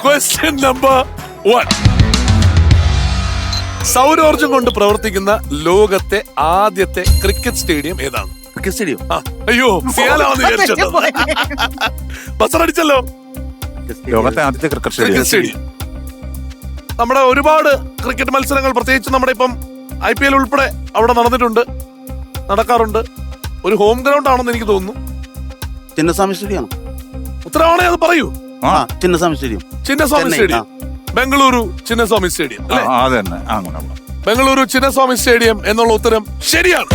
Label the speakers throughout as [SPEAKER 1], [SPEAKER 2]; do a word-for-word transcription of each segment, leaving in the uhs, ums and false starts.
[SPEAKER 1] Question number one. സൗരോർജം കൊണ്ട് പ്രവർത്തിക്കുന്ന ലോകത്തെ ആദ്യത്തെ ക്രിക്കറ്റ് സ്റ്റേഡിയം ഏതാണ്?
[SPEAKER 2] Cricket stadium.
[SPEAKER 1] ആ, അയ്യോ സിയാലാണെന്ന് വിചാരിച്ചോ. ബസറടിച്ചല്ലോ.
[SPEAKER 3] ലോകത്തെ ആദ്യത്തെ ക്രിക്കറ്റ്
[SPEAKER 1] ക്രിക്കറ്റ് സ്റ്റേഡിയം. നമ്മുടെ ഒരുപാട് ക്രിക്കറ്റ് മത്സരങ്ങൾ, പ്രത്യേകിച്ച് നമ്മുടെ ഇപ്പം ഐ പി എൽ ഉൾപ്പെടെ അവിടെ നടന്നിട്ടുണ്ട്, നടക്കാറുണ്ട്. ഒരു ഹോം ഗ്രൗണ്ട് ആണെന്ന് എനിക്ക് തോന്നുന്നു.
[SPEAKER 2] ചിന്നസ്വാമി സ്റ്റേഡിയം.
[SPEAKER 1] ഉത്തരവാണെ അത് പറയൂ.
[SPEAKER 2] ആ Chinnaswamy stadium.
[SPEAKER 1] Chinnaswamy stadium, Bengaluru Chinnaswamy stadium അല്ലേ?
[SPEAKER 3] അതന്നെ, അങ്ങനെ.
[SPEAKER 1] ബംഗളൂരു ചിന്നസ്വാമി സ്റ്റേഡിയം എന്നുള്ള ഉത്തരം ശരിയാണ്.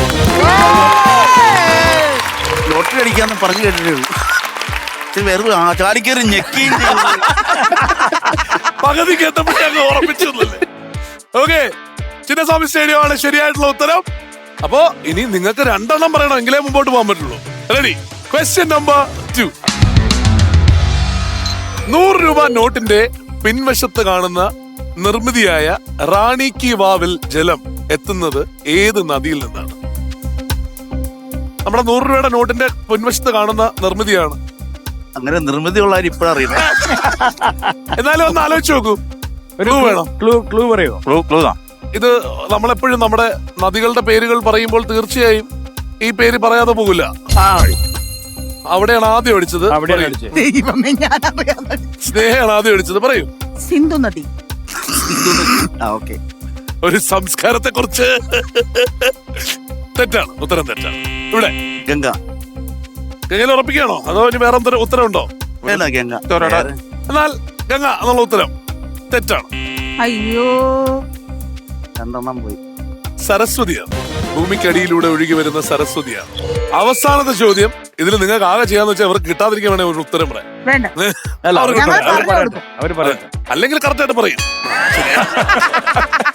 [SPEAKER 2] ലോട്ടറി അടിക്കാന്ന് പറഞ്ഞു കേട്ടിട്ടേ ഉള്ളൂ. വെറുതെ ചാടിക്കേറി ഞെക്കുകയും
[SPEAKER 1] പകുതിക്ക് എത്തപ്പോഴേ ഉറപ്പിച്ചു. ഓക്കെ, ചിന്നസ്വാമി സ്റ്റേഡിയം ആണ് ശരിയായിട്ടുള്ള ഉത്തരം. അപ്പോ ഇനി നിങ്ങൾക്ക് രണ്ടെണ്ണം പറയണം, എങ്കിലേ മുമ്പോട്ട് പോകാൻ പറ്റുള്ളൂ. റെഡി? Question number two. നൂറ് രൂപ നോട്ടിന്റെ പിൻവശത്ത് കാണുന്ന നിർമ്മിതിയായ റാണി കി വാവിൽ ജലം എത്തുന്നത് ഏത് നദിയിൽ നിന്നാണ്? നമ്മുടെ നൂറ് രൂപയുടെ നോട്ടിന്റെ പിൻവശത്ത് കാണുന്ന നിർമ്മിതിയാണ്.
[SPEAKER 2] അങ്ങനെ നിർമ്മിതിയുള്ള ഇപ്പോഴറിയില്ല.
[SPEAKER 1] എന്നാലും ഒന്ന് ആലോചിച്ച് നോക്കൂ. ക്ലൂ വേണം.
[SPEAKER 3] ക്ലൂ ക്ലൂ പറയോ? ക്ലൂ ക്ലൂ താ.
[SPEAKER 1] ഇത് നമ്മളെപ്പോഴും നമ്മുടെ നദികളുടെ പേരുകൾ പറയുമ്പോൾ തീർച്ചയായും ഈ പേര് പറയാതെ പോകില്ല. അവിടെയാണ് ആദ്യം അടിച്ചത്. സ്നേഹയാണ് ആദ്യം അടിച്ചത്. പറയൂ.
[SPEAKER 4] സിന്ധു നദി.
[SPEAKER 1] ഒരു സംസ്കാരത്തെ കുറിച്ച് തെറ്റാണ്, ഉത്തരം തെറ്റാണ്. ഇവിടെ
[SPEAKER 2] ഗംഗ.
[SPEAKER 1] ഗംഗയിൽ ഉറപ്പിക്കുകയാണോ അതോ ഇനി വേറെ എന്തൊരു ഉത്തരവുണ്ടോ?
[SPEAKER 2] വേണ്ട, ഗംഗ.
[SPEAKER 1] എന്നാൽ ഗംഗ എന്നുള്ള ഉത്തരം തെറ്റാണ്.
[SPEAKER 4] അയ്യോ,
[SPEAKER 2] രണ്ടെണ്ണം പോയി.
[SPEAKER 1] സരസ്വതിയാണ്. ഭൂമിക്കടിയിലൂടെ ഒഴുകി വരുന്ന സരസ്വതിയാണ്. അവസാനത്തെ ചോദ്യം. ഇതിൽ നിങ്ങൾക്ക് ആകെ ചെയ്യാന്ന് വെച്ചാൽ അവർക്ക് കിട്ടാതിരിക്കാൻ വേണേ ഒരു ഉത്തരം പറയാം.
[SPEAKER 4] വേണ്ട.
[SPEAKER 1] അവർക്ക്
[SPEAKER 4] ഞങ്ങൾ
[SPEAKER 1] പറയാം.
[SPEAKER 4] പറഞ്ഞു കൊടുക്കും.
[SPEAKER 3] അവര് പറയട്ടെ.
[SPEAKER 1] അല്ലെങ്കിൽ കറക്റ്റ് ആയിട്ട് പറയും.